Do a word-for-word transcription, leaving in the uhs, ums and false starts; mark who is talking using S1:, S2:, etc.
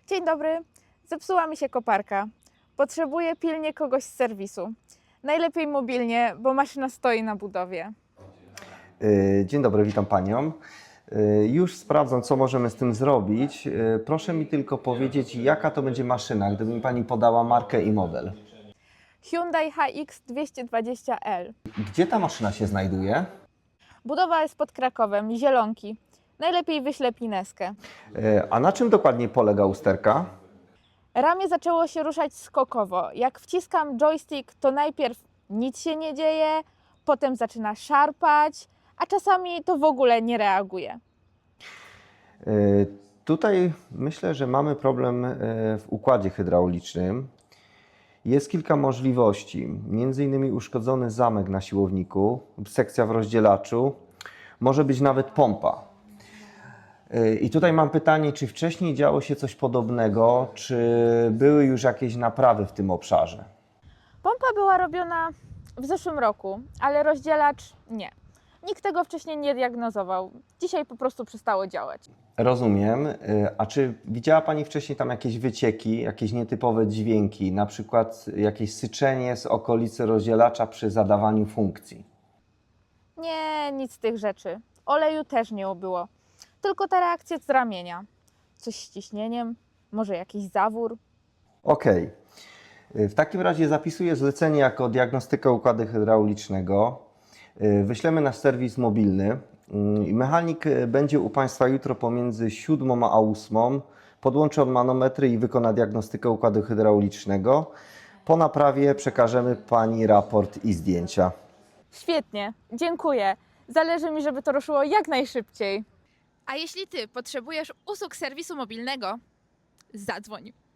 S1: Dzień dobry, zepsuła mi się koparka. Potrzebuję pilnie kogoś z serwisu. Najlepiej mobilnie, bo maszyna stoi na budowie.
S2: Dzień dobry, witam Panią. Już sprawdzam, co możemy z tym zrobić. Proszę mi tylko powiedzieć, jaka to będzie maszyna, gdyby mi Pani podała markę i model.
S1: Hyundai H X dwieście dwadzieścia L.
S2: Gdzie ta maszyna się znajduje?
S1: Budowa jest pod Krakowem, Zielonki. Najlepiej wyślę pineskę.
S2: A na czym dokładnie polega usterka?
S1: Ramię zaczęło się ruszać skokowo. Jak wciskam joystick, to najpierw nic się nie dzieje, potem zaczyna szarpać, a czasami to w ogóle nie reaguje.
S2: Tutaj myślę, że mamy problem w układzie hydraulicznym. Jest kilka możliwości, między innymi uszkodzony zamek na siłowniku, sekcja w rozdzielaczu, może być nawet pompa. I tutaj mam pytanie, czy wcześniej działo się coś podobnego, czy były już jakieś naprawy w tym obszarze?
S1: Pompa była robiona w zeszłym roku, ale rozdzielacz nie. Nikt tego wcześniej nie diagnozował. Dzisiaj po prostu przestało działać.
S2: Rozumiem. A czy widziała Pani wcześniej tam jakieś wycieki, jakieś nietypowe dźwięki, na przykład jakieś syczenie z okolicy rozdzielacza przy zadawaniu funkcji?
S1: Nie, nic z tych rzeczy. Oleju też nie było. Tylko ta reakcja z ramienia. Coś z ciśnieniem, może jakiś zawór.
S2: Okej. W takim razie zapisuję zlecenie jako diagnostykę układu hydraulicznego. Wyślemy na serwis mobilny. Mechanik będzie u Państwa jutro pomiędzy siódmą a ósmą. Podłączy on manometry i wykona diagnostykę układu hydraulicznego. Po naprawie przekażemy Pani raport i zdjęcia.
S1: Świetnie, dziękuję. Zależy mi, żeby to ruszyło jak najszybciej.
S3: A jeśli Ty potrzebujesz usług serwisu mobilnego, zadzwoń.